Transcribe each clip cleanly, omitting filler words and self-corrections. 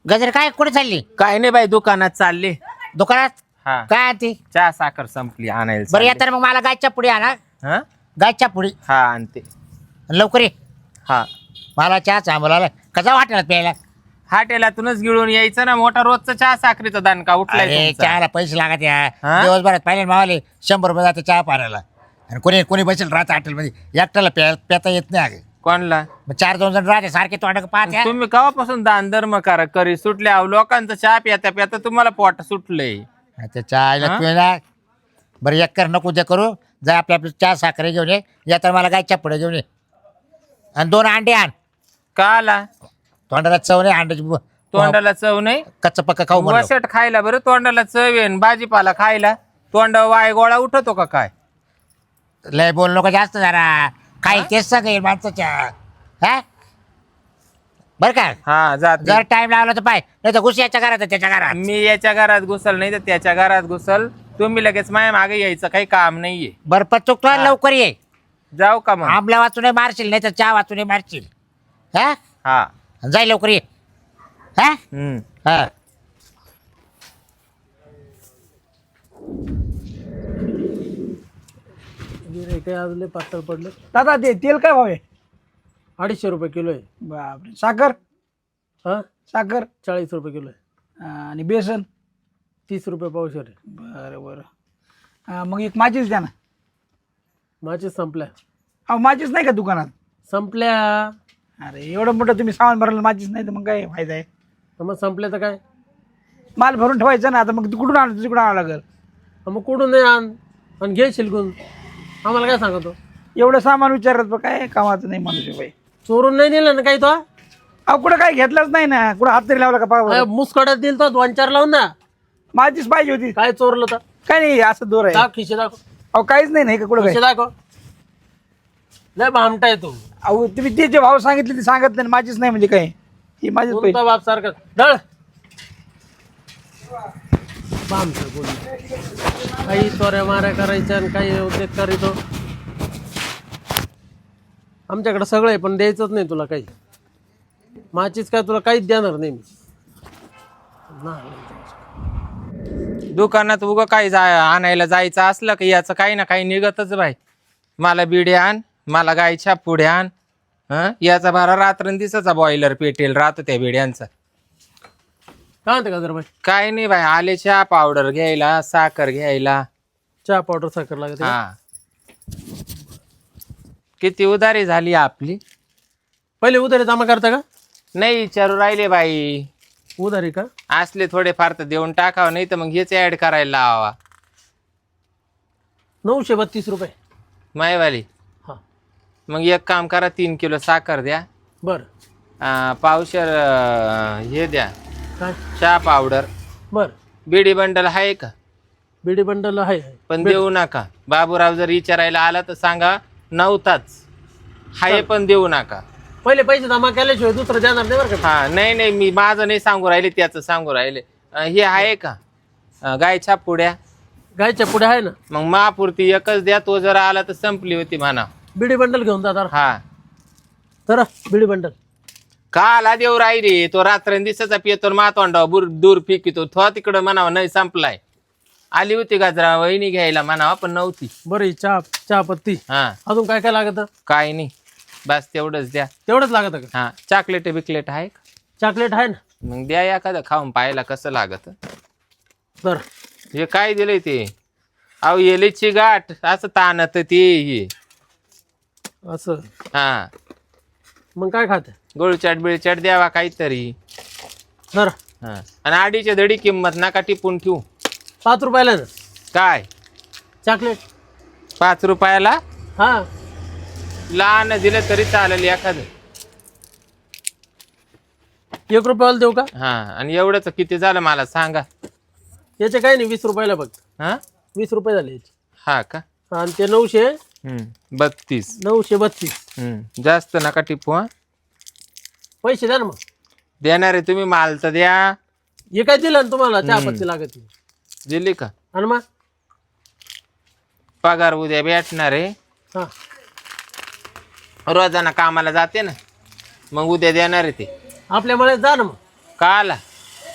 गजर काय कुठे चालली? काय नाही बाई, दुकानात चालले. दुकानात हा, काय आणते? चहा साखर संपली, आणायला बरं या चालले. तर मग मला गायच्या पुढे आणा. हा गायच्या पुढे हा आणते. लवकर ये. हा, मला चहा चांबला कसा वाटेल प्यायला? हॉटेलातूनच गिळून यायचं ना. मोठा रोजचा चहा साखरेचा दानका उठलाय अरे तुमचा. चहाला पैसे लागत या हा? दिवसभरात पाहिले मावाले 100 रुपये जाते चहा पाण्याला. आणि कोणी कोणी बसेल राहत हॉटेलमध्ये एकट्याला पेता येत नाही अगं. कोणला? मग 4-2 जण राहते सारखे तोंड पाहते. तुम्ही केव्हापासून दान धर्म करी सुटले? अहो, लोकांचा चहा प्याता प्याता तुम्हाला पोट सुटलंय. त्या चहा पिऊया. बरं एक कर नको ते करू. जा आपल्या आपली चहा साखर घेऊन ये. या तर मला गायच्या पुढे घेऊन ये. आणि 2 अंडे आण. का आला? तोंडाला चव नाही अंड्याची. तोंडाला चव नाही? कच्चं पक्क खाऊ म्हणलं. वसट खायला बरं, तोंडाला चव येईन. भाजीपाला खायला तोंड वाय गोळा उठतो का काय? लय बोल नको जास्त जरा. काही तेच सांगेल माणसाच्या. हा बरं का? हा, जात जर टाइम लागला तर पाय, नाही तर घुस याच्या घरात त्याच्या घरात. मी याच्या घरात घुसल नाही तर त्याच्या घरात घुसल. तुम्ही लगेच माझ्या मागे यायचं काही काम नाहीये. बरं पण चुकतो लवकर ये. जाऊ का मग? आंबला वाचून मारशील नाही तर चहा वाचून मारशील. हा हा. जाय लवकर ये. हा हा काही अजून पातळ पडलं. दादा ते तेल काय भाव आहे? 250 रुपये किलो आहे. बापरे. साखर? हा, साखर 40 रुपये किलो आहे. आणि बेसन? 30 रुपये पावशेर आहे. बरं बरं. मग एक माचीस द्या ना. माचीस संपल्या. अहो माचीस नाही का दुकानात? संपल्या. अरे एवढं मोठं तुम्ही सामान भरलं माचीस नाही तर मग काय फायदा आहे? मग संपल्या तर काय? माल भरून ठेवायचा ना. आता मग कुठून आणलं? तुझ्याकडून आणावं लागेल. मग कुठून नाही आण आणि घे शिलकून. आम्हाला काय सांगतो? एवढं सामान विचारत काय कामाचं नाही माणूस बाई. चोरून नाही दिलं ना काही तो? अहो कुठं काय घेतलंच नाही ना. कुठं हात तरी लावला का पाव? मुसकड्यात दिल तो 2-4 लावून ना. माचीस पाहिजे होती. काय चोरलं तर? काय नाही असं दोर आहे. दाख खिशे दाखव. अहो काहीच नाही का कुठं खिशे काय? दाखव. लय भामटा आहे तू. अहो तुम्ही ते जे भाव सांगितले ते सांगत नाही. माचीस नाही म्हणजे काय? ही माझीच पैसे. कोणता बाप सारखा डळ भामटा बोल. काही चोऱ्या माऱ्या करायच्या आणि काही उद्योग करीतो. आमच्याकडे सगळं आहे पण द्यायचंच नाही तुला काही. माचीच काय तुला काहीच देणार नाही मी. दुकानात उगं काही आणायला जायचं असलं की याचं काही ना काही निघतच बाई. मला बिडे आण, मला गायच्या पुढे आण. याचा भारा रात्रंदिसाचा बॉयलर पेटेल राहतो त्या बिड्यांचा. काय म्हणते का जर बाई? काय नाही बाई, आले चहा पावडर घ्यायला, साखर घ्यायला. चहा पावडर साखर लागते. हा, किती उधारी झाली आपली. पहिले उधारी जमा करता का? नाही विचारू राहिले बाई. उधारी का? असले थोडे फार तर देऊन टाकावं, नाही तर मग हेच ऍड करायला लावा 932 रुपये मायवाली. हा मग एक काम करा, 3 किलो साखर द्या. बर. पावशेर हे द्या, काय? चहा पावडर. बर. बिडी बंडल आहे का? बिडी बंडल आहे पण देऊ नका. बाबूराव जर विचारायला आला तर सांगा नव्हताच. हाय पण देऊ नका. पहिले पैसे जमा केल्याशिवाय दुसरं देणार नाही बरं का? हा, नाही नाही, मी माझं नाही सांगू राहिले, त्याचं सांगू राहिले. हे आहे का गायच्या पुड्या? गायच्या पुढे आहे ना. मग महापुरती एकच द्या. तो जर आला तर संपली होती म्हणा. बिडी बंडल घेऊन जा. हा, तर बिडी बंडल काला देऊ राहिली. तो रात्रंदिसाचा पितो मातोंडा दूर फिकितो. तो तिकडं म्हणावं नाही संपलाय. आली होती गाजरा वहिनी घ्यायला म्हणावा पण नव्हती. बरं. चहा पत्ती. हा, अजून काय काय लागत? काय नाही, बस तेवढंच द्या. तेवढंच लागत का? हा, चॉकलेट बिकलेट आहे का? चॉकलेट आहे ना. मग द्या एखादं खाऊन पाहायला कसं लागत. तर हे काय दिलंय ते? अहो येलीची गाठ असं ताणत ते हे. असं. हा, मग काय खाते? गोळचाट बिळचाट द्यावा काहीतरी. तर हा, आणि आडीच्या धडी किंमत नका टिपून ठेवू. 5 रुपयाला ना काय चॉकलेट? 5 रुपयाला? हा, लहान दिलं तरी चालेल एखादं. 1 रुपयाला देऊ का? हा, आणि एवढंच किती झालं मला सांगा. याचे काही नाही. 20 रुपयाला बघ. हा 20 रुपये झाले याचे. हा का? आणि ते 900 32. 932. जास्त नका टिपू. हा, पैसे द्या ना मग. देणार आहे तुम्ही, माल तर द्या. हे काय दिलं ना तुम्हाला? चहा पत्ती लागत. दिली का? आणि मग पगार उद्या भेटणार आहे. हा, रोजाना कामाला जाते ना, मग उद्या देणार आहे ते. आपल्या मळ्यात जा ना मग. का आला?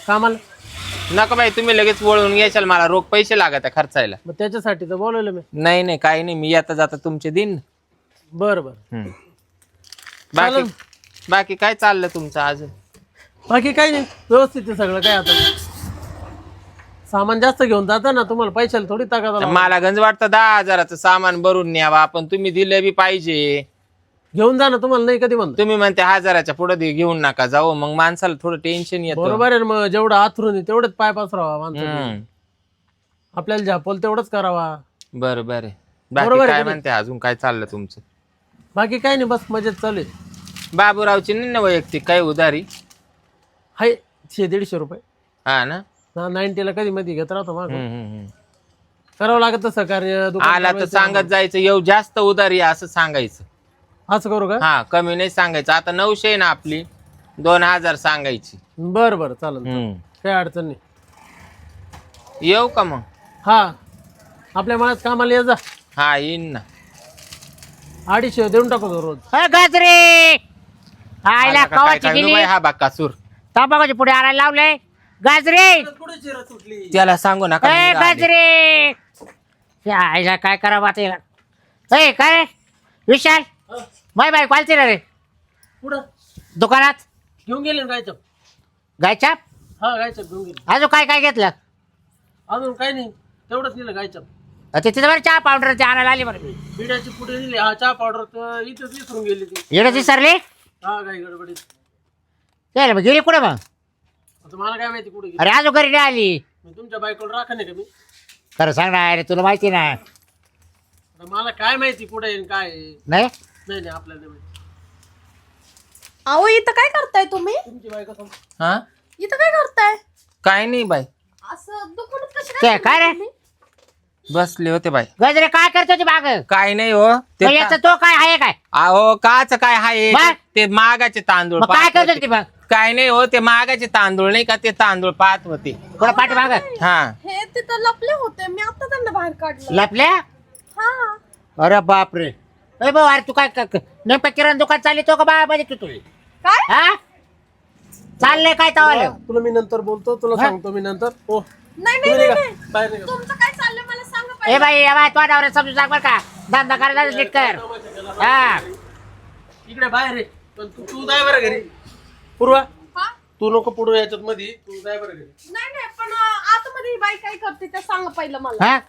कामाला. नका बाई, तुम्ही लगेच वळून घ्याल, मला रोख पैसे लागत आहे खर्चायला. मग त्याच्यासाठी तर बोलवलं मी. नाही नाही काही नाही, मी आता जाता तुमचे दिन. बरं बरं. बाकी चालेल. बाकी काय चाललं तुमचं अजून? बाकी काही नाही, व्यवस्थित आहे सगळं. काय आता सामान जास्त घेऊन जाता ना, तुम्हाला पैशाला थोडी ताकद आला. मला गंज वाटतं 10,000चं सामान भरून न्यावा, पण तुम्ही दिलं बी पाहिजे. घेऊन जा ना, तुम्हाला नाही कधी म्हणतो. तुम्ही म्हणते 1000च्या पुढे घेऊन नका जाऊ, मग माणसाला थोडं टेन्शन येतं. बरोबर आहे ना, मग जेवढं आथरून तेवढंच पाय पसरावा माणसाने. हम्म. आपल्याला झापोल तेवढंच करावा. बरोबर आहे. बरोबर बाकी आहे काय की नाही? म्हणते अजून, काय चाललं तुमचं? बाकी काही नाही, बस मजेत चालू आहे. बाबूरावची नाही ना वैयक्तिक काय उधारी? हाय 100-150 रुपये हा ना. 90ला कधी मध्ये घेत राहतो मग. हम्म. करावं लागत सहकार्य. दुकान आला तर चालवायचं. सांगत जायचं, येऊ जास्त उधारी आहे असं सांगायचं. असं करू का? हा, कमी नाही सांगायचं. आता 900 आहे ना आपली, 2000 सांगायची. बरं बरं चालेल. काही अडचण नाही. येऊ का मग? हा, आपल्या मनात कामाला ये जा. हा येईन ना. 250 देऊन टाकू तो रोज. गाजरे आईला आला का काय कवाची काय गेली बाई हा बाकासूर. तांबाखाची पुढे आणायला लावले. गाजरे त्याला सांगू नका मी आले. गाजरे या आईला काय करावं आता याला. ए काय रे? विशाल बाय बाय क्वालची रे पुढं दुकानात घेऊन गेले ना गायचं. गायच्या हा गायचं घेऊन गेले. अजून काय काय घेतलं? अजून काही नाही, तेवढंच नेलं गायचं. तिथे बरं चहा पावडर ते आणायला आली बरं. बिड्याची पुढे दिली. हा चहा पावडर तर इथंच विसरून गेली ती. येणं विसरली. हा गाय गडबडीत. चल मग गेली कुठे मग? आता मला काय माहिती कुठे गेली. अरे अजून घरी नाही आली. मी तुमच्या बायकोला राखा नाही का मी? खरं सांग ना अरे, तुला माहिती ना. आता मला काय माहिती कुठे आहे आणि काय आहे. नाही नाही नाही आपल्याला नाही माहिती. अहो इथं काय करताय तुम्ही? तुमची बायको समोर. हा इथं काय करताय? काय नाही बाई, असं दुकानात कशी ते काय रे? तुम्ही? बसले होते बाई. गजरे काय करतो ती बाग? काय नाही हो ते याचा तो काय आहे काय? अहो काच काय हाय मग? ते मागाचे तांदूळ मग काय पाहत करतो होते. ती मग? काय नाही हो, ते मागाचे तांदूळ नाही का, ते तांदूळ पाहत होते. कुठं पाठी माग हा हे तिथं लपले होते, मी आता त्यांना बाहेर काढलं. लपल्या? हा अरे बापरे. ए भाऊ अरे तू काय नेमकं किराणा दुकान चालली तो का बा म्हणजे तू तुझी काय? हा चाललंय काय तवाल? तुला मी नंतर बोलतो, तुला हा? सांगतो मी नंतर. हो नाही तुम्ही नाही निघा, नाही बाहेर निघा. तुमचं काय चाललंय मला सांगा ए पाहिजे. बाई तो नवरा समजून सांग बरं का. धंदा करायला नीट कर. हा इकडे बाहेर आहे. पण तू जाय बरं घरी. पूर्वा हा? तू नको पुढे याच्यात मध्ये, तू जाय बरं घरी. नाही नाही पण आतमध्ये ही बाई काय करते ते सांगा पहिलं मला. हा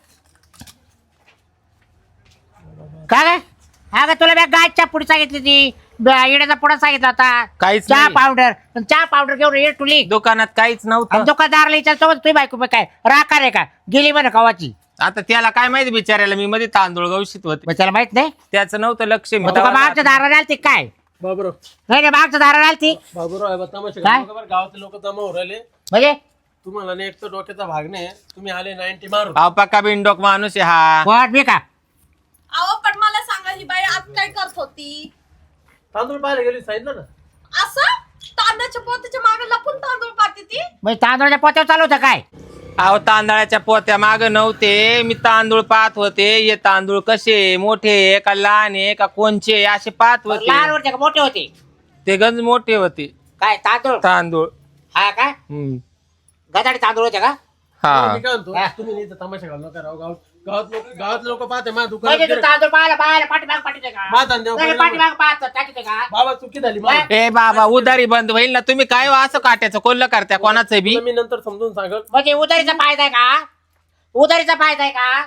काय अगं तुला मी गायच्या पुढे सांगितली ती येण्याचा पुढे सांगितला होता. काहीच चहा नाही. पावडर पण चहा पावडर घेऊन ये तुली. दुकानात काहीच नव्हतं. दुकानदारला विचारतो तुझी बायको मग काय राखा रे का गेली म्हणे कवाची. आता त्याला काय माहिती बिचारायला, मी मध्ये तांदूळ गवशीत होते, मग त्याला माहित नाही. त्याचं नव्हतं लक्ष. मी मग तुका तेव्हा मागच्या दाराला आलती काय? बाबूराव नाही नाही मागच्या दाराला आलती बाबूराव आहे बा, तमाशा काय? करू नका बरं. गावातले लोक जमा होऊन राहिले. म्हणजे तुम्हाला नाही एक तर डोक्याचा भाग नाही. तुम्ही आले 90 मारून. अहो, पक्का बिनडोक माणूस आहे हा. कोण मी का? अहो पण मला सांगा ही बाई आत काय करत होती? तांदूळ पाहायला गेली सांगितलं ना. असं तांदळाच्या पोतीच्या मागे लपून तांदूळ पाहते ती? म्हणजे तांदळाच्या पोत्यावर चालू होतं काय? अहो तांदळाच्या पोत्या माग नव्हते, मी तांदूळ पाहत होते. हे तांदूळ कसे मोठे आहे का लहान आहे का कोणचे असे पाहत लहान होते. होते का मोठे होते? ते गंज मोठे होते काय तांदूळ? तांदूळ. हा का हम्म. गदाडी तांदूळ होते का? हा मी काय म्हणतो, हा. तुम्ही नाही तर तमाशा घालू नका राव. गावात लोक पाहते माझ्या म्हणजे तू दुकानात. तांदूळ पाहायला पाठीमाग पाठीते का? माझा धंद्यावर नाही, परिणाम पाठीमाग पाहतो टाकीते का? बाबा चुकी झाली माझी. ए बाबा उधारी बंद होईल ना. तुम्ही काय हो असं काट्याचं कोल्ह करत्या कोणाचं बी. तुला मी नंतर समजून सांगल. म्हणजे उधारीचा फायदा आहे का? उधारीचा फायदा आहे का?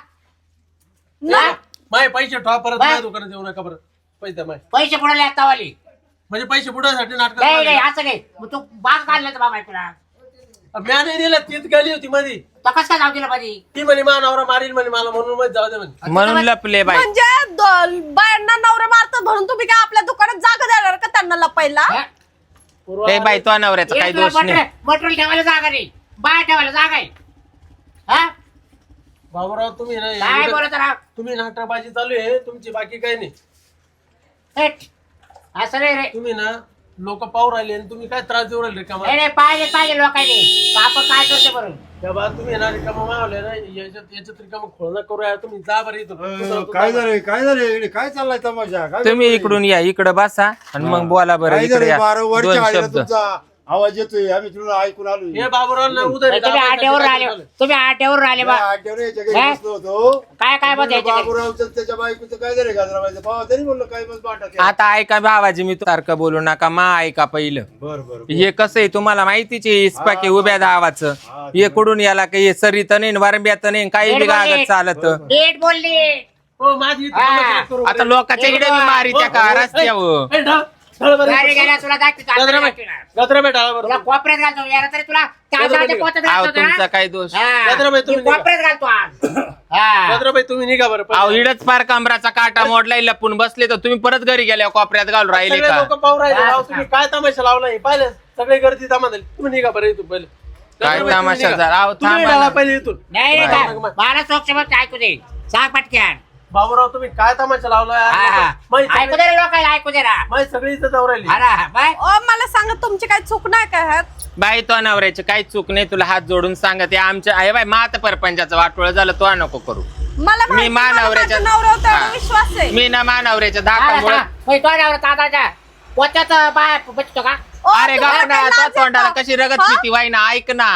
हा? माझे पैसे ठेवा परत. बाय. माझ्या दुकानात येऊ नका बरं. पैसे माय पैसे बुडाले आता वाली. म्हणजे पैसे बुडासाठी नाटक. नाही नाही असं नाही. मग तू बाग काढलं तर बाबा तुला म्या नाही दिलं. तीच गेली होती मध्ये. तो कसं काय जाऊ दिला मध्ये? ती म्हणे मा नवरा मारील म्हणे मला, म्हणून मध्ये जाऊ दे म्हणे. म्हणून लपले बाई. म्हणजे बायांना नवरे मारतात म्हणून तुम्ही काय आपल्या दुकानात जागा देणार का त्यांना लपायला? हा? पूर्वा, ए बाई तो नवऱ्याचा काही दोष नाही. मटेरियल ठेवायला जागा नाही, बाय ठेवायला जागा आहे. हा? बाबूराव तुम्ही काय नाही, बोलत राहा? तुम्ही नाटकबाजी चालू आहे तुमची, बाकी काही नाही. हेट. असं नाही रे. तुम्ही ना लोक पाहू राहिले आणि तुम्ही काय त्रास देऊ राहिले रिकामा. नाही नाही, पाहिजे लोकांनी. आपण काय करतो बरोबर? तेव्हा तुम्ही ना रिकामा मावले ना, याच्यात रिकामा खोळणं करू यार. तुम्ही जा बरं इथून. काय झालं इकडे? काय चाललाय तमाशा? काय तुम्ही चाललंय? इकडून या, इकडे बसा आणि मग बोला बरं काय इकडे झालंय? या. 12 वरच्या दोन आळीला शब्द. तुमचा आवाज येतोय आम्ही तुला ऐकून आलो हे बाबूराव उदय तुम्ही आट्यावर आले तुम्ही आट्यावर आले बा घरी बसलो होतो काय काय मत याच्यात? बाबूरावचं त्याच्या बायकोचं काय झालं गाजराबाईचं भावा तरी म्हणलं काय मग वाटत आता ऐका भावाजी मी सारखं बोलू नका मा ऐका पहिलं बर बर हे कसं आहे तुम्हाला माहितीच आहे इस्पाकी उभ्या दावाचं हे कुठून याला काही सरीत नाही वरंब्यात नाही काही बी गागत चालत नीट बोलली हो माझी इथं हा. तमाशा करू आता लोकांच्या इकडे मी मारी त्या का रस्त्यावर ए, ढळ, ढळ बरं. गाडी गेल्या तुला दाखवतो, आता गजराबाई, दाखवणार. गजराबाई ढळ बरं. तुला कोपऱ्यात घालतो याला तरी तुला काजळाच्या पोत्यात अहो घालतो तुमचा ना. काय दोष हा. गजराबाई, तुम्ही मी कोपऱ्यात घालतो आज हा. गजराबाई तुम्ही निघा बरं अहो इडच पार कमराचा काटा मोडलाय लपून बसले तर तुम्ही परत घरी गेल्या कोपऱ्यात घालून राहिले सगळे का लोक पाहू राहिले हा. राव, तुम्ही काय तमाशा लावलाय पाहिलं सगळे गर्दी जमा झाली तुम्ही निघा बरं इथून पहिले काय गजराबाई, तुम्ही तमाशा निघा. झाला? अहो, तुम्ही थांबा ढळा ना. पहिले इथून नाही रे बाय, का? बाय. मला सोक्षमत ऐकू दे सांग पटक्यान बाबूराव तुम्ही काय तमाशा लावलाय हा, हा. मै ऐकू दे रे लोकांना ऐकू दे ना सगळी इथं जाऊ राहिली अरे बाय ओ मला सांगा तुमची काही चूक नाही काय ह्यात बाई तो नवऱ्याची काही चूक नाही तुला हात जोडून सांगते आमच्या आहे बाई मात परपंचाचं वाटोळ झालं तो नको करू मला मी माहिती, मला मानवऱ्याच्या- माझ्या नवऱ्यावर तेवढा हा. विश्वास आहे मी ना मानवऱ्याच्या धाकामुळे ताताच्या पोत्यात बाय बचतो का ओ, अरे तुम्हाला गावडा काय तो लाज तोंडाला येतं? कशी रगत हा? पिती वाई ना ऐक ना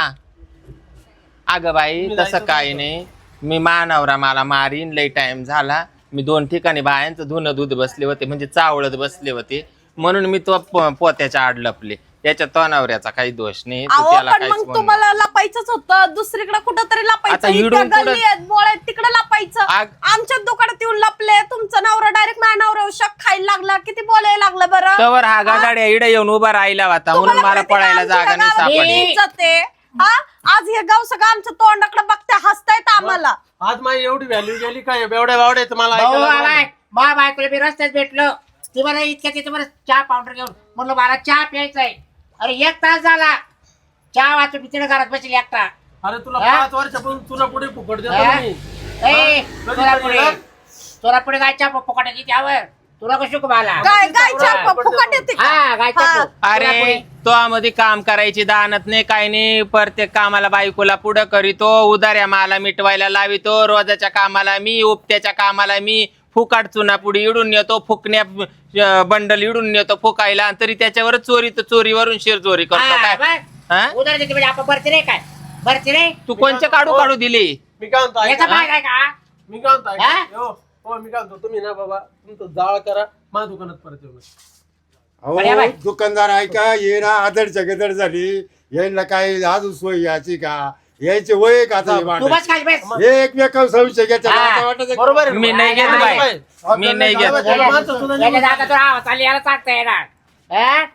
अगं बाई तुम्ही तसं जायचं काही नव्हतं. नाही मी मानवरा मला मारीन लई टाइम झाला मी 2 ठिकाणी बायांचं धुणं दूध बसले होते म्हणजे चावळत बसले होते म्हणून मी तो पोत्याच्या आड लपले त्याच्या तो नवऱ्याचा काही दोष नाही तू अहो त्याला पण काहीच मग म्हणू तुम्हाला लपायचंच होतं दुसरीकडे कुठंतरी आता लपायचं हिडून इथं गल्ली कुठं- आहेत बोळ आहेत तिकडे लपायचं आमच्या दुकानात येऊन लपले तुमचा नवरा डायरेक्ट माझ्या नवऱ्यावर शक खायला लागला किती बोलायला लागलं बरं तवर हा गाड्या इडे येऊन उभा राहिला होता म्हणून तुम्हाला मला माहिती का पळायला आमच्या जागा नाही गावात सापडली किती इज्जत आहे? हा आज हे गाव सगळं आमच्या तोंडाकडे बघते हसतायत आम्हाला आज माझी एवढी व्हॅल्यू गेली काय बेवड्या बावड्या मला भाऊ ऐकायला बाय लागलं. मा बायकोला मी रस्त्यात भेटलो ती मला इतक्या तिथे मला चहा पावडर घेऊन म्हणलं मला चहा प्यायचा आहे अरे 1 तास झाला चहा वाचून मी तिथे घरात बसली एकटा अरे तुला हा? 5 वर्षापासून तुला पुढे फुकट देतो हा? मी ए, कधी तुला कधी पुढे ना? तुला पुढे गायच्या फुकटाची त्यावर तुला कसं शिकवायला गाय गायच्या फुकट येते का? हा गायच्या हा. अरे तो आमध्ये काम करायची दानत नाही काही नाही प्रत्येक कामाला बायकोला पुढं करीतो उदाऱ्या माला मिटवायला लावितो रोजाच्या कामाला मी उपत्याच्या कामाला मी फुकाट चुना पुढे इडून येतो फुकण्या बंडल इडून येतो फुकायला तरी त्याच्यावर चोरी तर चोरीवरून शिरचोरी करतो काय हा? उदर देते म्हणजे आपण भरती रे काय भरती रे तू कोणचे काढू काढू दिले मी काय म्हणतो याचा ऐका. भाग आहे का मी काय म्हणतो ऐका. हा? हो मी काय म्हणतो तुम्ही ना बाबा तुमचं जाळ करा माझ्या दुकानात परत येऊ नका. अरे बाई. अहो दुकानदार ऐका ये ना आदडच्या गदड झाली यांना काय अजून सोय याची का यायचे वय का आता हे तू भांडण? बस खाली बस हे एकमेकांवर संशय घेतात हा. आता वाटत बरोबर आहे. मी नाही घेत बाई मी नाही घेत त्याला माणसं सुद्धा याच्या निघून जाता तुला आवाज आली याला सांगता येणार हा?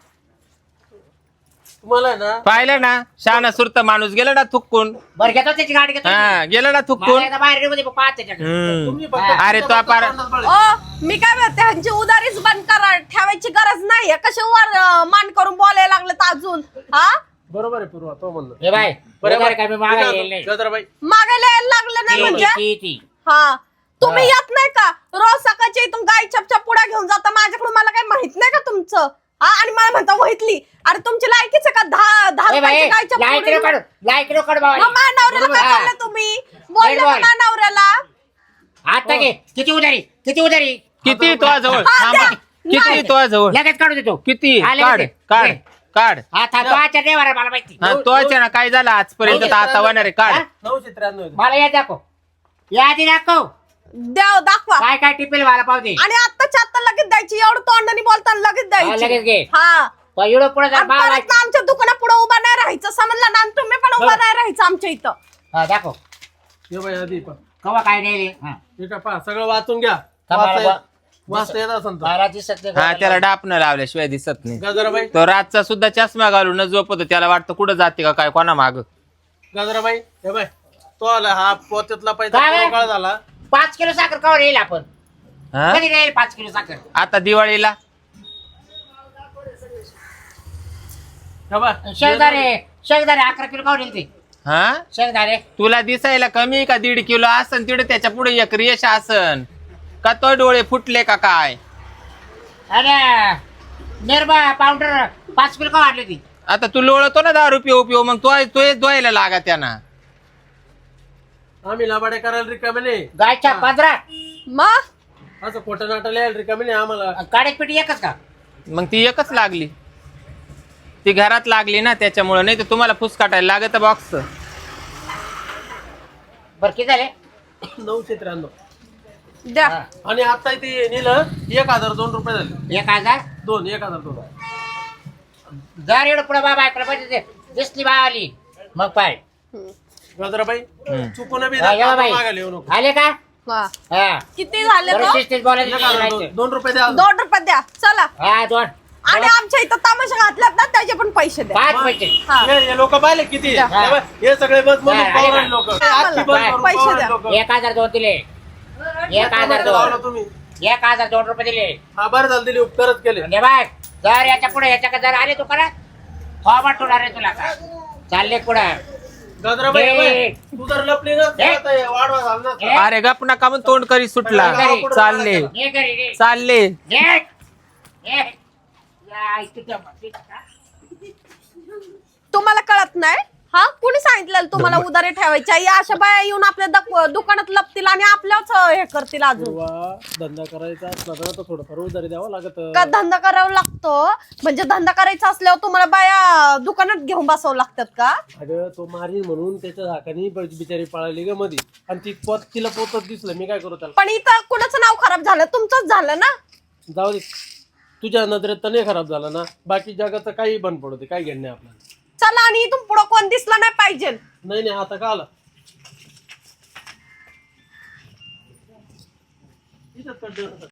तुम्हाला आहे ना पाहिलं ना शहाणा सुरत माणूस गेला ना थुकून बरं घेतो त्याची गाडी घेतो हा गेला ना मला थुकून एकदा बाहेर निघू दे, मग पाहत त्याच्याकडे हम्म. तुम्ही फक्त अरे तो पार ओ मी काय म्हणते ह्यांची उदारीच बंद करा ठेवायची गरज नाहीये कसे वर मान करून बोलायला लागलेत अजून हा बरोबर आहे पूर्वा तो म्हणलं हे बाय बरोबर काय मी मी मागायला काय येईल नाही म्हणतो, गजराबाई मागायला यायला लागलं नाही म्हणजे ती हा तुम्ही येत नाही का रोज सकाळच्या इथून गाय चपच्या पुढा घेऊन जाता माझ्याकडून मला काही माहित नाही का तुमचं हा आणि मला म्हणता वहितली अरे तुमची लायकीच आहे का 10 ए बाई, रुपयाची गायच्या लाईट पुढे काढ लाईट काढ बाबा मग माझ्या नवऱ्याला काय हा. बोलले तुम्ही बोलले नीट का बोल. माझ्या नवऱ्याला आता घे किती उधारी किती तो जवळ हा, थांबा. द्या. किती नाही. तो जवळ लगेच काढू देतो किती हा, लगेच काढ दे. काढ दे. काढ आता तो आजच्या ड्रायव्हर मला माहिती हा तो ना काय झालं आजपर्यंत तर आता होणार आहे काढ हा? 993 होते. मला या दाखव या आधी दाखव द्या दाखवा काय काय टिपेल मला पाहू दे आणि आत्ताच्या आत्ता लगेच द्यायची एवढं तोंडाने बोलताना लगेच हा, लगेच द्यायची घे हा तो एवढं पुढे आणि परत ना आमच्या दुकाना पुढे उभा नाही राहायचं समजलं ना आणि तुम्ही पण उभा नाही राहायचं आमच्या इथं दाखव हे बाई आधी पहा. कवा काय नाही रे हा. हे का पहा सगळं वाचून घ्या मला वाचता येत असेल तर. मला दिसत नाही हा त्याला डापणं लावल्याशिवाय दिसत नाही गजराबाई तो रातचा सुद्धा चष्मा घालून झोपतो त्याला वाटतं कुठं जाते का काय कोणा माग गजराबाई हे बाय तो आला हा पोत्यातला पैसा काय? पुरा काळ झाला 5 किलो साखर कवर येईल आपण हा? कधी येईल 5 किलो साखर आता दिवाळीला हे बाय शेंगदाणे 11 किलो कवर येईल ते हा शेंगदाणे तुला दिसायला कमी का 1.5 किलो असन तिकडे त्याच्या पुढे एक रेष असन का तो डोळे फुटले का काय अरे निर्मा पावडर 5 किलो कवर आणली ती आता तू लोळतो ना 10 रुपये उपयोग मग तो द्वायला लागा त्यांना आम्ही लाबाडे करायला रिकामे नाही गायच्या 15 मग असं खोटं नाटक लिहायला रिकामे नाही आम्हाला काड्यात पेटी एकच का मग ती एकच लागली ती घरात लागली ना त्याच्यामुळे, नाही तर तुम्हाला फुसकाटायला लागत बॉक्स. बरं किती झाले? 993. द्या. आणि आता ते नेलं 1002 रुपये झाले. 1000 1002. जर एवढं पुढे बाबा ऐकलं पाहिजे दिसली बावाली मग पाय गजराबाई चुकून बी हा, या बाई. मागायला येऊ नको. आले का? हा. हा किती झाले बरं, तो? शिस्तीत बोलायचं 1002 2 रुपये द्या. 2 रुपये द्या चला. हा 2 आणि आमच्या इथं तमाशा घातल्यात ना त्याचे पण पैसे द्या. 5 पैसे. हा. हे लोक पाहिले किती द्या. हे बघ, हे सगळे बस म्हणून हा, पावराळे आले लोक. आम्हाला पैसे द्या. 1002 दिले. 1002 तुम्ही 1002 रुपये दिले. हा बरं झालं दिली उपकारच केले. म्हणजे बाय जर याच्या पुढे याच्या जर आले दुकानात फॉर्माट होणार आहे तुला का चालले पुढे गजराबाई हे. बाई, तू जर लपली ना हे. आता हे वाढवा झाला ना. हे. अरे गप नका म्हणून तोंड करी सुटला. चालले ये घरी रे. चालले. ये. ये. या, इथे ठेव मग. ठीक आहे. तुम्हाला कळत नाही हा? कुणी सांगितलं तुम्हाला उधारी ठेवायच्या? या अशा बाया येऊन आपल्या दुकानात लपतील आणि आपल्याच हे करतील अजून. तेव्हा धंदा करायचा असला ना तर थोडंफार उधारी द्यावं लागत. का धंदा करावा लागतो? म्हणजे धंदा करायचा असल्यावर तुम्हाला बाया दुकानात घेऊन बसावं लागतात का? अगं तो मारी म्हणून त्याच्या झाकानी बिचारी पळाली ग मध्ये आणि तिला पोतच दिसलं. मी काय करू त्याला? पण इथं कुणाचं नाव खराब झालं? तुमचंच झालं ना. जाऊ दे, तुझ्या नजरेत तर नाही खराब झाला ना. बाकी जगाचं काही बंद पडते, काय घेणं नाही आपल्याला. चला. आणि इथून पुढं कोण दिसला नाही पाहिजे. नाही आता का आला